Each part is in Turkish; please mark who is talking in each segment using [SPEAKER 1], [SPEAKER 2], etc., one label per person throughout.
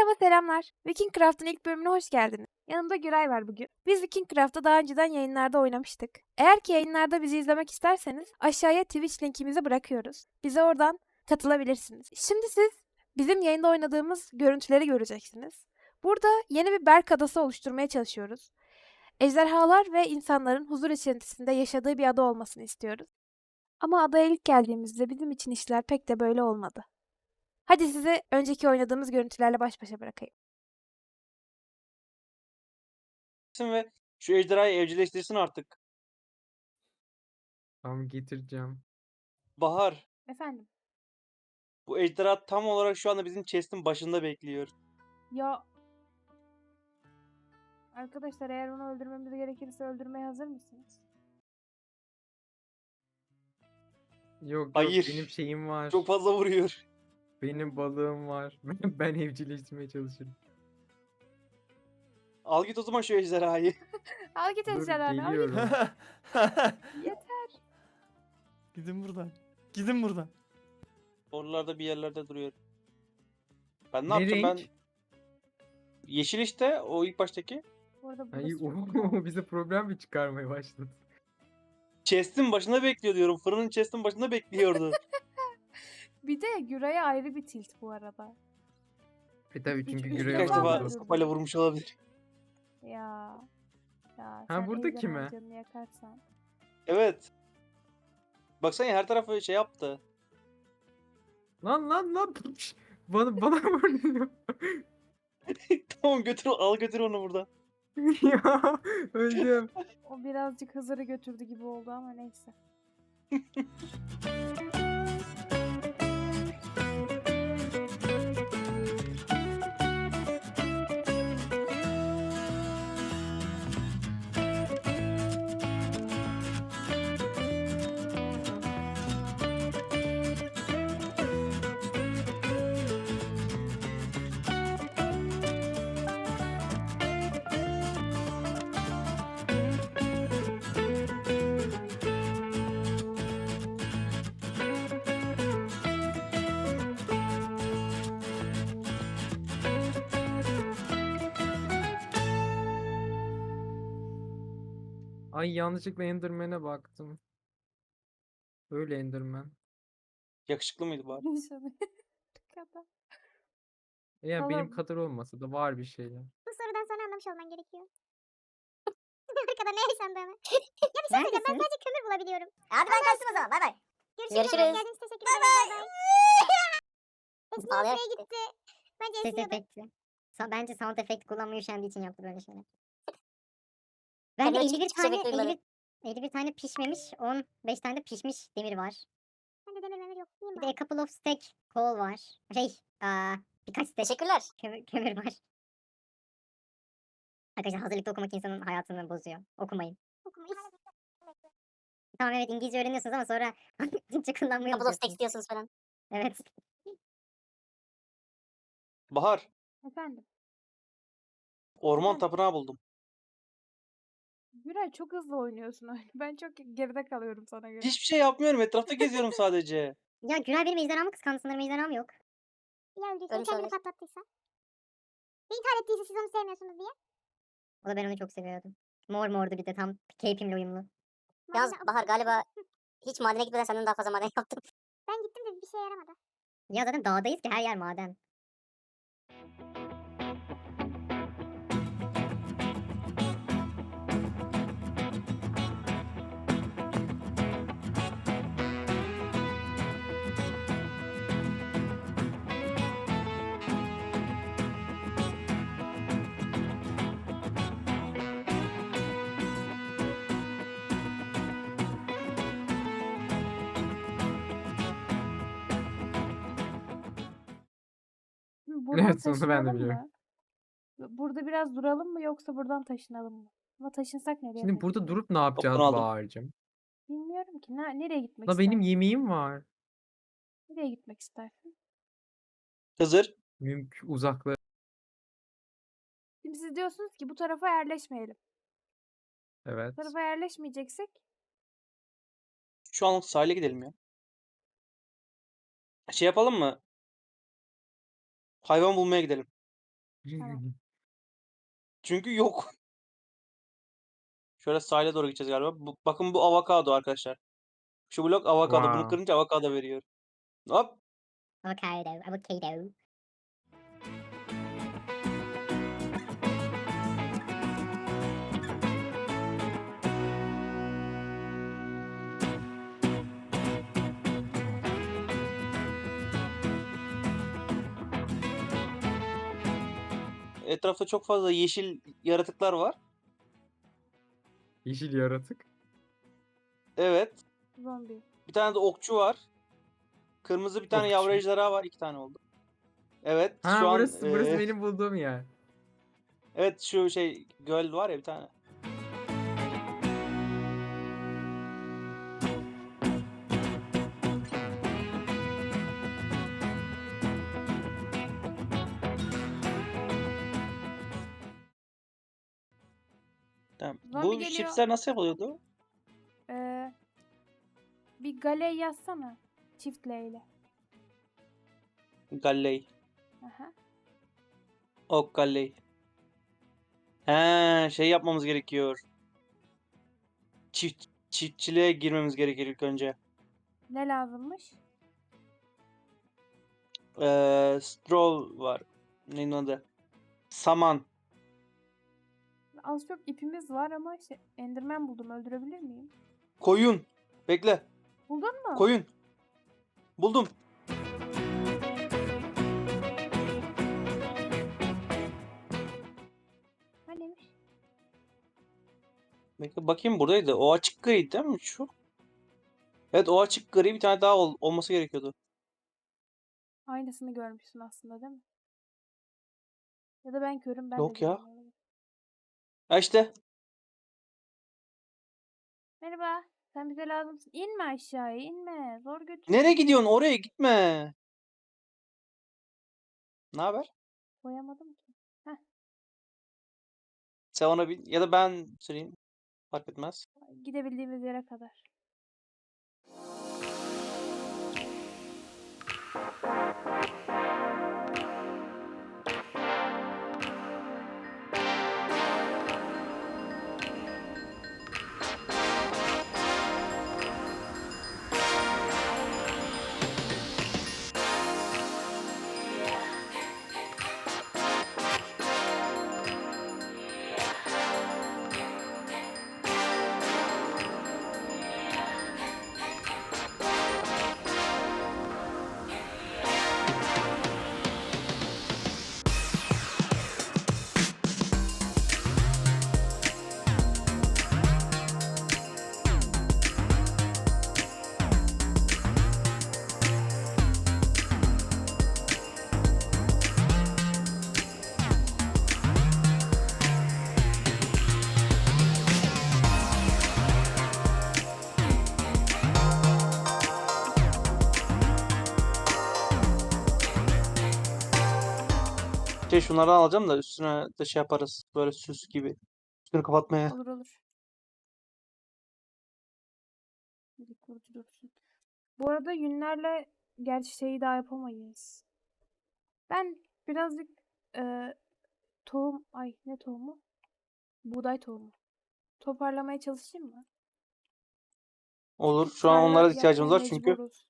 [SPEAKER 1] Merhaba, selamlar. Vikingcraft'ın ilk bölümüne hoş geldiniz. Yanımda Güray var bugün. Biz Vikingcraft'ta daha önceden yayınlarda oynamıştık. Eğer ki yayınlarda bizi izlemek isterseniz aşağıya Twitch linkimizi bırakıyoruz. Bize oradan katılabilirsiniz. Şimdi siz bizim yayında oynadığımız görüntüleri göreceksiniz. Burada yeni bir Berk adası oluşturmaya çalışıyoruz. Ejderhalar ve insanların huzur içerisinde yaşadığı bir ada olmasını istiyoruz. Ama adaya ilk geldiğimizde bizim için işler pek de böyle olmadı. Hadi sizi önceki oynadığımız görüntülerle baş başa bırakayım.
[SPEAKER 2] Ve şu ejderhayı evcilleştirsin artık.
[SPEAKER 3] Tamam getireceğim.
[SPEAKER 2] Bahar,
[SPEAKER 1] Efendim?
[SPEAKER 2] bu ejderha tam olarak şu anda bizim chest'in başında bekliyor.
[SPEAKER 1] Ya arkadaşlar, eğer onu öldürmemiz gerekirse öldürmeye hazır mısınız?
[SPEAKER 3] Yok
[SPEAKER 2] Hayır.
[SPEAKER 3] benim şeyim var.
[SPEAKER 2] Çok fazla vuruyor.
[SPEAKER 3] Benim balığım var. Ben evcilleştirmeye çalışırım.
[SPEAKER 2] Al git o zaman şu ejderhayı.
[SPEAKER 1] Al git
[SPEAKER 3] Dur
[SPEAKER 1] ejderhanı, al git.
[SPEAKER 3] geliyorum.
[SPEAKER 1] Yeter.
[SPEAKER 4] Gidin buradan. Gidin buradan.
[SPEAKER 2] Oralarda bir yerlerde duruyor. Ben ne
[SPEAKER 3] Ne
[SPEAKER 2] yapacağım ben?
[SPEAKER 3] renk?
[SPEAKER 2] Yeşil işte o ilk baştaki.
[SPEAKER 1] Bu arada
[SPEAKER 3] Ay,
[SPEAKER 1] burası çok güzel.
[SPEAKER 3] bize problem mi çıkarmaya başladı?
[SPEAKER 2] Chest'in başında bekliyor diyorum. Fırının chest'in başında bekliyordu.
[SPEAKER 1] Bir de Güray'a ayrı bir tilt bu arada.
[SPEAKER 3] Tabii çünkü
[SPEAKER 1] üç
[SPEAKER 3] Güray'a
[SPEAKER 2] Birkaç
[SPEAKER 1] defa
[SPEAKER 2] defa
[SPEAKER 1] vurdu.
[SPEAKER 2] sopayla vurmuş olabilir.
[SPEAKER 1] Ya. Ya
[SPEAKER 3] Ha,
[SPEAKER 1] sen
[SPEAKER 3] burada
[SPEAKER 1] ejderhanın
[SPEAKER 3] kime?
[SPEAKER 1] canını yakarsan.
[SPEAKER 2] Evet. Baksana her tarafı şey yaptı.
[SPEAKER 3] Lan. Bana vuruyor.
[SPEAKER 2] Tamam götür al götür onu buradan.
[SPEAKER 3] Ya öldüm.
[SPEAKER 1] O birazcık Hızır'ı götürdü gibi oldu ama neyse.
[SPEAKER 3] Ay yanlışlıkla Enderman'e baktım. Öyle Enderman.
[SPEAKER 2] Yakışıklı mıydı bari?
[SPEAKER 1] Kadar.
[SPEAKER 3] Yani benim
[SPEAKER 1] Tamam.
[SPEAKER 3] kadar olmasa da var bir şeyler.
[SPEAKER 5] Bu sorudan sonra anlamış olman gerekiyor. Arkada ne yaşandığını. Ya bir şey söyleyeceğim, ben sadece kömür bulabiliyorum.
[SPEAKER 6] Hadi ben kaçtım o zaman. Bay bay.
[SPEAKER 5] Görüşürüz.
[SPEAKER 6] Görüşürüz.
[SPEAKER 5] Geldiniz, teşekkür ederim. Bay bay. Esniye
[SPEAKER 6] Ağlayarak
[SPEAKER 5] esniye gitti. Bence
[SPEAKER 6] Ses
[SPEAKER 5] esniyordu.
[SPEAKER 6] efekti. Bence sound efekt kullanmayı üşendiği için yaptı böyle şeyler. Bende
[SPEAKER 4] Hani
[SPEAKER 6] de 51
[SPEAKER 4] hiçbir
[SPEAKER 6] tane
[SPEAKER 4] efekt duymadım.
[SPEAKER 6] 51 tane pişmemiş, 15 tane de pişmiş demir var.
[SPEAKER 5] Bende demir memir yok. Yiyeyim
[SPEAKER 6] Bir de
[SPEAKER 5] bari.
[SPEAKER 6] a couple of stack coal var. Birkaç stack
[SPEAKER 4] Teşekkürler.
[SPEAKER 6] kömür var. Arkadaşlar hazırlıkta okumak insanın hayatını bozuyor. Okumayın.
[SPEAKER 5] Okumayız.
[SPEAKER 6] Tamam evet İngilizce öğreniyorsunuz ama sonra Türkçe kullanmayı
[SPEAKER 4] Couple of
[SPEAKER 6] unutuyorsunuz.
[SPEAKER 4] stacks diyorsunuz falan.
[SPEAKER 6] Evet.
[SPEAKER 2] Bahar,
[SPEAKER 1] Efendim.
[SPEAKER 2] orman
[SPEAKER 1] Efendim?
[SPEAKER 2] tapınağı buldum.
[SPEAKER 1] Güray, çok hızlı oynuyorsun oyunu. Ben çok geride kalıyorum sana göre.
[SPEAKER 2] Hiçbir şey yapmıyorum. Etrafta geziyorum sadece.
[SPEAKER 6] Ya Güray benim ejderhamı kıskandı sanırım ejderham yok.
[SPEAKER 5] Ya öldüyse
[SPEAKER 4] Ölmüş
[SPEAKER 5] kendini
[SPEAKER 4] olabilir.
[SPEAKER 5] patlattıysa. Ya intihar ettiyse siz onu sevmiyorsunuz diye.
[SPEAKER 6] O da ben onu çok seviyordum. Mordu bir de tam keyfimle uyumlu.
[SPEAKER 4] Yalnız
[SPEAKER 5] Madem-
[SPEAKER 4] Bahar galiba hiç madene gitmeden senden daha fazla maden yaptım.
[SPEAKER 5] Ben gittim de bir şey yaramadı.
[SPEAKER 6] Ya zaten dağdayız ki her yer maden.
[SPEAKER 1] Şimdi buradan
[SPEAKER 3] Evet, onu ben de
[SPEAKER 1] taşınalım
[SPEAKER 3] biliyorum.
[SPEAKER 1] mı? Burada biraz duralım mı yoksa buradan taşınalım mı? Ama taşınsak nereye
[SPEAKER 3] Şimdi burada
[SPEAKER 1] taşınalım?
[SPEAKER 3] durup ne yapacağız
[SPEAKER 2] aldım.
[SPEAKER 3] Bahar'cığım?
[SPEAKER 1] Bilmiyorum ki. Nereye gitmek
[SPEAKER 3] La benim
[SPEAKER 1] istersin?
[SPEAKER 3] yemeğim var.
[SPEAKER 1] Nereye gitmek istersin?
[SPEAKER 2] Hızır.
[SPEAKER 3] Uzaklara.
[SPEAKER 1] Şimdi siz diyorsunuz ki bu tarafa yerleşmeyelim.
[SPEAKER 3] Evet.
[SPEAKER 1] Bu tarafa yerleşmeyeceksek
[SPEAKER 2] Şu anlık sahile gidelim ya. Şey yapalım mı? Hayvan bulmaya gidelim.
[SPEAKER 1] Tamam.
[SPEAKER 2] Çünkü yok. Şöyle sahile doğru gideceğiz galiba. Bakın bu avokado arkadaşlar. Şu blok avokado. Bunu
[SPEAKER 3] Wow.
[SPEAKER 2] kırınca avokado veriyor. Hop.
[SPEAKER 6] Avocado, avocado.
[SPEAKER 2] Etrafta çok fazla yeşil yaratıklar var.
[SPEAKER 3] Yeşil yaratık.
[SPEAKER 2] Evet.
[SPEAKER 1] Zombi.
[SPEAKER 2] Bir tane de okçu var. Kırmızı bir tane yavru
[SPEAKER 3] Okçu.
[SPEAKER 2] ejderha var. 2 tane oldu. Evet
[SPEAKER 3] Ha
[SPEAKER 2] şu an
[SPEAKER 3] burası benim bulduğum yer.
[SPEAKER 2] evet şu şey göl var ya bir tane. Tamam.
[SPEAKER 1] Zombi
[SPEAKER 2] Bu
[SPEAKER 1] geliyor.
[SPEAKER 2] chipsler nasıl yapılıyordu?
[SPEAKER 1] Bir gale yazsana. Çift L ile.
[SPEAKER 2] Galley.
[SPEAKER 1] Aha.
[SPEAKER 2] Ok galley. He, şey yapmamız gerekiyor. Çiftçiliğe girmemiz gerekir ilk önce.
[SPEAKER 1] Ne lazımmış?
[SPEAKER 2] Stroll var. Neyin adı? Saman.
[SPEAKER 1] Az çok ipimiz var ama Enderman buldum. Öldürebilir miyim?
[SPEAKER 2] Koyun. Bekle.
[SPEAKER 1] Buldun mu?
[SPEAKER 2] Koyun. Buldum.
[SPEAKER 1] Neymiş?
[SPEAKER 2] Bekle bakayım buradaydı. O açık gri değil mi şu? Evet o açık gri bir tane daha olması gerekiyordu.
[SPEAKER 1] Aynısını görmüşsün aslında değil mi? Ya da ben körüm, ben
[SPEAKER 2] Yok
[SPEAKER 1] de
[SPEAKER 2] ya.
[SPEAKER 1] görmüyorum.
[SPEAKER 2] Ha işte.
[SPEAKER 1] Merhaba. Sen bize lazımsın. İnme aşağıya, inme. Zor götür.
[SPEAKER 2] Nereye gidiyorsun? Oraya gitme. Ne haber?
[SPEAKER 1] Koyamadım ki.
[SPEAKER 2] Sen ona bin ya da ben süreyim. Fark etmez.
[SPEAKER 1] Gidebildiğimiz yere kadar.
[SPEAKER 2] Şunlardan alacağım da üstüne de şey yaparız. Böyle süs gibi. Üstünü kapatmaya.
[SPEAKER 1] Olur olur. Bir kurucu dursun. Bu arada yünlerle gerçi şeyi daha yapamayız. Ben birazcık tohum, ay ne tohumu? Buğday tohumu. Toparlamaya çalışayım mı?
[SPEAKER 2] Olur.
[SPEAKER 1] Çünkü
[SPEAKER 2] Şu an
[SPEAKER 1] tarla
[SPEAKER 2] onlara da
[SPEAKER 1] yapmaya
[SPEAKER 2] ihtiyacımız var çünkü
[SPEAKER 1] mecburuz.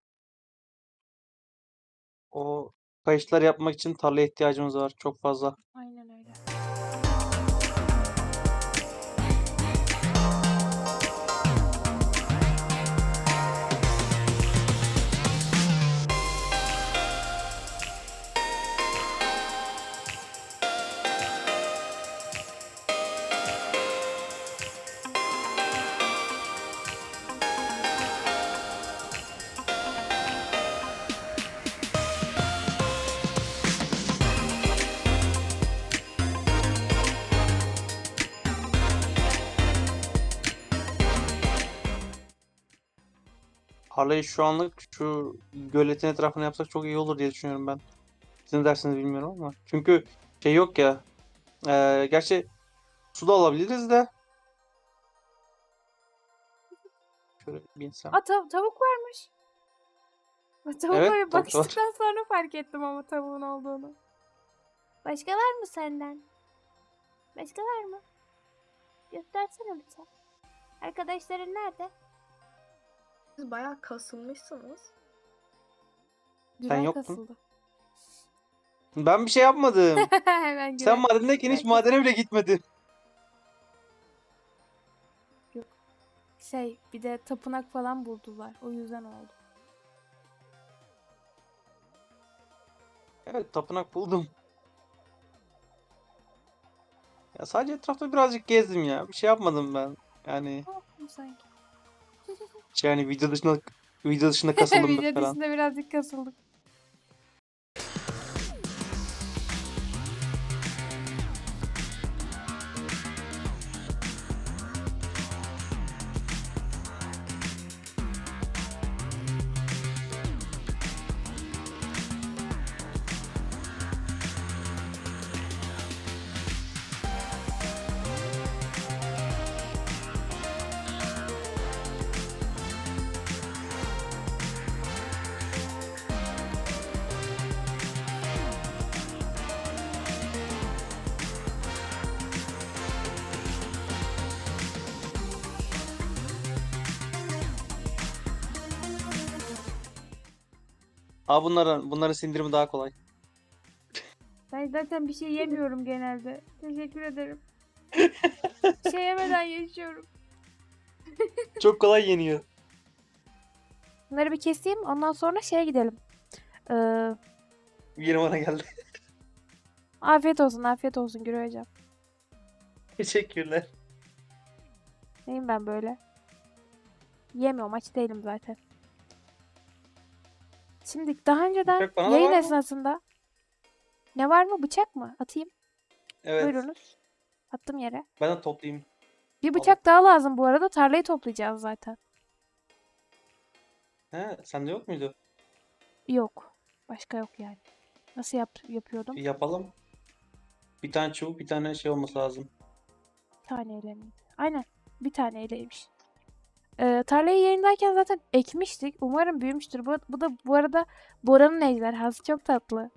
[SPEAKER 2] o kayışlar yapmak için tarlaya ihtiyacımız var çok fazla.
[SPEAKER 1] Aynen öyle.
[SPEAKER 2] Tarlayı şu anlık şu göletin etrafına yapsak çok iyi olur diye düşünüyorum ben. Siz ne dersiniz bilmiyorum ama. Çünkü şey yok ya. Gerçi su da alabiliriz de. Şöyle bir insan.
[SPEAKER 1] Aa tavuk varmış. Tavukla
[SPEAKER 2] Evet,
[SPEAKER 1] bir
[SPEAKER 2] tavuk da var.
[SPEAKER 1] bakıştıktan sonra fark ettim ama tavuğun olduğunu. Başka var mı senden? Başka var mı? Göstersene lütfen. Arkadaşların nerede?
[SPEAKER 7] Siz bayağı kasılmışsınız.
[SPEAKER 1] Güray
[SPEAKER 2] yoktun.
[SPEAKER 1] kasıldı.
[SPEAKER 2] Ben bir şey yapmadım.
[SPEAKER 1] Hemen Güray.
[SPEAKER 2] Sen madendeyken hiç madene bile gitmedin.
[SPEAKER 1] Bir de tapınak falan buldular. O yüzden oldu.
[SPEAKER 2] Evet, tapınak buldum. Ya sadece etrafta birazcık gezdim ya. Bir şey yapmadım ben. Yani
[SPEAKER 1] Ne yaptım sanki?
[SPEAKER 2] video dışında kasıldım
[SPEAKER 1] Video
[SPEAKER 2] falan.
[SPEAKER 1] dışında birazcık kasıldık.
[SPEAKER 2] Bunların sindirimi daha kolay.
[SPEAKER 1] Ben zaten bir şey yemiyorum genelde. Teşekkür ederim. Bir şey yemeden yaşıyorum.
[SPEAKER 2] Çok kolay yeniyor.
[SPEAKER 1] Bunları bir keseyim. Ondan sonra şeye gidelim.
[SPEAKER 2] Yine bana geldi.
[SPEAKER 1] Afiyet olsun, afiyet olsun Güray hocam.
[SPEAKER 2] Teşekkürler.
[SPEAKER 1] Neyim ben böyle? Yemiyorum, aç değilim zaten. Şimdi daha önceden
[SPEAKER 2] Bıçak bana da
[SPEAKER 1] yayın
[SPEAKER 2] var mı?
[SPEAKER 1] esnasında ne var mı? Bıçak mı? Atayım.
[SPEAKER 2] Evet.
[SPEAKER 1] Buyurunuz. Attım yere.
[SPEAKER 2] Ben de toplayayım.
[SPEAKER 1] Bir bıçak daha lazım bu arada. Tarlayı toplayacağız zaten.
[SPEAKER 2] He, sende yok muydu?
[SPEAKER 1] Yok. Başka yok yani. Nasıl yapıyordum?
[SPEAKER 2] Bir yapalım. Bir tane çubuk, bir tane şey olması lazım.
[SPEAKER 1] Bir taneyle miydi? Aynen. Bir taneyleymiş. Tarlayı yayındayken zaten ekmiştik. Umarım büyümüştür. Bu da bu arada Bora'nın ejderhası. Çok tatlı.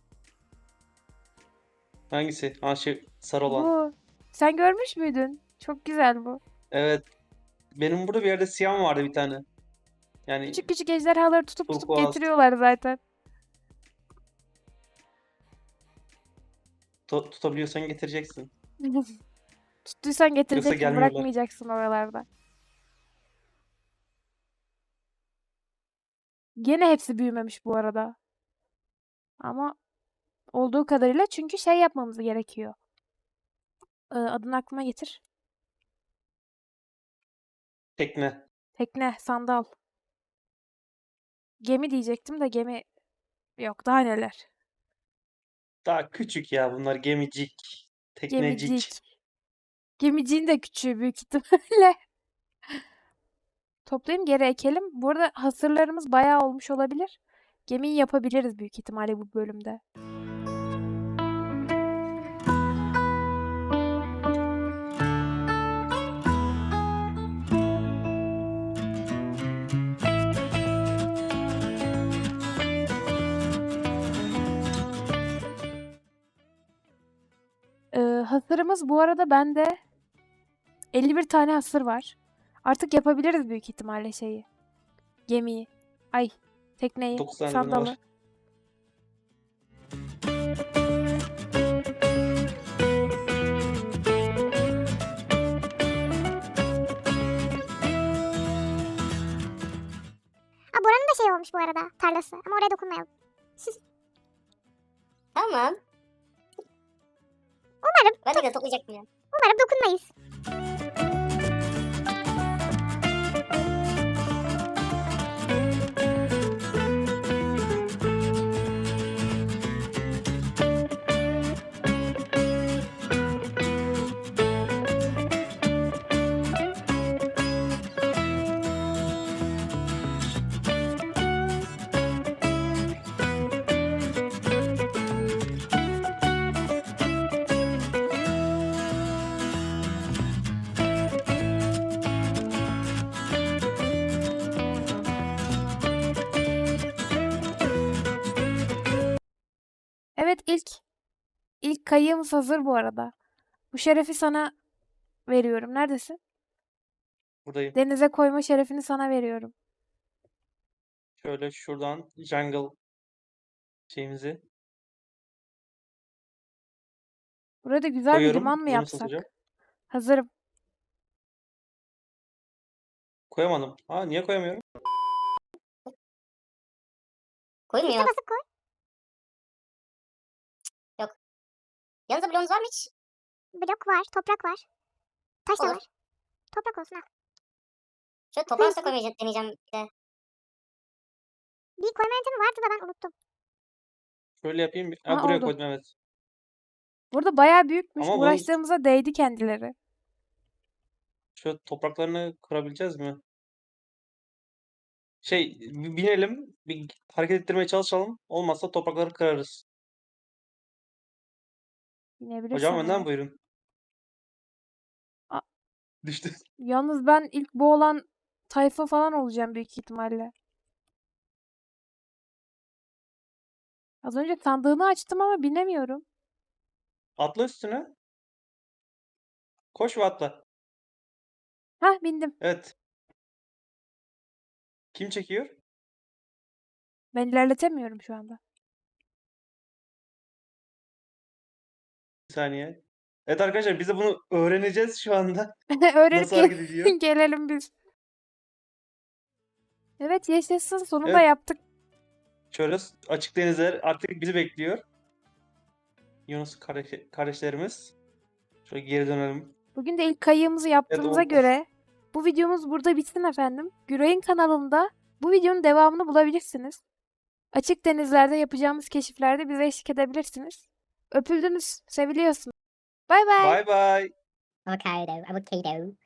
[SPEAKER 2] Hangisi? Ha, sarı olan.
[SPEAKER 1] Bu. Sen görmüş müydün? Çok güzel bu.
[SPEAKER 2] Evet. Benim burada bir yerde siyah vardı bir tane. Yani
[SPEAKER 1] Küçük küçük ejderhaları tutup
[SPEAKER 2] Turkuaz.
[SPEAKER 1] getiriyorlar zaten.
[SPEAKER 2] tutabiliyorsan getireceksin.
[SPEAKER 1] Tuttuysan getireceksin.
[SPEAKER 2] gelmiyorlar.
[SPEAKER 1] Bırakmayacaksın oralarda. Gene hepsi büyümemiş bu arada. Ama olduğu kadarıyla çünkü şey yapmamız gerekiyor. Adını aklıma getir.
[SPEAKER 2] Tekne.
[SPEAKER 1] Tekne, sandal. Gemi diyecektim de gemi yok, daha neler.
[SPEAKER 2] Daha küçük ya bunlar, gemicik. Teknecik.
[SPEAKER 1] Gemicik. Gemiciğin de küçüğü büyük ihtimalle. Toplayayım, geri ekelim. Bu arada hasırlarımız bayağı olmuş olabilir. Gemiyi yapabiliriz büyük ihtimalle bu bölümde. Hasırımız bu arada bende 51 tane hasır var. Artık yapabiliriz büyük ihtimalle şeyi. Gemiyi. Ay, tekneyi,
[SPEAKER 2] 9 tane bende
[SPEAKER 1] sandalı.
[SPEAKER 2] var.
[SPEAKER 5] Bora'nın da şey olmuş bu arada, tarlası. Ama oraya dokunmayalım.
[SPEAKER 4] Tamam.
[SPEAKER 5] Umarım,
[SPEAKER 4] Ben de toplayacaktım ya.
[SPEAKER 5] umarım dokunmayız.
[SPEAKER 1] İlk kayığımız hazır bu arada. Bu şerefi sana veriyorum. Neredesin?
[SPEAKER 2] Buradayım.
[SPEAKER 1] Denize koyma şerefini sana veriyorum.
[SPEAKER 2] Şöyle şuradan jungle şeyimizi
[SPEAKER 1] Burada güzel bir
[SPEAKER 2] koyuyorum.
[SPEAKER 1] liman mı
[SPEAKER 2] Bunu nasıl
[SPEAKER 1] yapsak?
[SPEAKER 2] atacağım?
[SPEAKER 1] Hazırım.
[SPEAKER 2] Koyamadım. Ha, niye koyamıyorum?
[SPEAKER 4] Koymuyor.
[SPEAKER 5] Üste basıp koy.
[SPEAKER 4] Yanınızda bloğunuz var mı hiç?
[SPEAKER 5] Blok var, toprak var. Taş da
[SPEAKER 4] Olur.
[SPEAKER 5] var. Toprak olsun ha.
[SPEAKER 4] Şöyle toprağı üstüne koymayı deneyeceğim bir de.
[SPEAKER 5] Bir koyma yöntemi vardı da ben unuttum.
[SPEAKER 2] Şöyle yapayım. Ha,
[SPEAKER 1] Ha,
[SPEAKER 2] buraya
[SPEAKER 1] oldu.
[SPEAKER 2] koydum, evet.
[SPEAKER 1] Burada bayağı büyükmüş.
[SPEAKER 2] Ama bunun
[SPEAKER 1] Uğraştığımıza değdi kendileri.
[SPEAKER 2] şöyle topraklarını kırabileceğiz mi? Binelim. Bir hareket ettirmeye çalışalım. Olmazsa toprakları kırarız.
[SPEAKER 1] Binebilirsen
[SPEAKER 2] Hocam önden
[SPEAKER 1] eğer.
[SPEAKER 2] buyurun.
[SPEAKER 1] A-
[SPEAKER 2] Düştü.
[SPEAKER 1] Yalnız ben ilk bu olan tayfa falan olacağım büyük ihtimalle. Az önce sandığını açtım ama binemiyorum.
[SPEAKER 2] Atla üstüne. Koş ve atla.
[SPEAKER 1] Hah, bindim.
[SPEAKER 2] Evet. Kim çekiyor?
[SPEAKER 1] Ben ilerletemiyorum şu anda.
[SPEAKER 2] Bir saniye. Evet arkadaşlar, biz de bunu öğreneceğiz şu anda. Nasıl
[SPEAKER 1] Öğrenip
[SPEAKER 2] hareket ediyor?
[SPEAKER 1] gelelim biz. Evet, yaşasın. Sonunda
[SPEAKER 2] Evet.
[SPEAKER 1] yaptık.
[SPEAKER 2] Şöyle açık denizler artık bizi bekliyor. Yunus kardeşlerimiz. Şöyle geri dönelim.
[SPEAKER 1] Bugün de ilk kayığımızı yaptığımıza
[SPEAKER 2] o-
[SPEAKER 1] göre bu videomuz burada bitsin efendim. Güray'ın kanalında bu videonun devamını bulabilirsiniz. Açık denizlerde yapacağımız keşiflerde bize eşlik edebilirsiniz. Öpüldünüz, seviliyorsunuz. Bay bay.
[SPEAKER 2] Bye bye.
[SPEAKER 6] Avocado.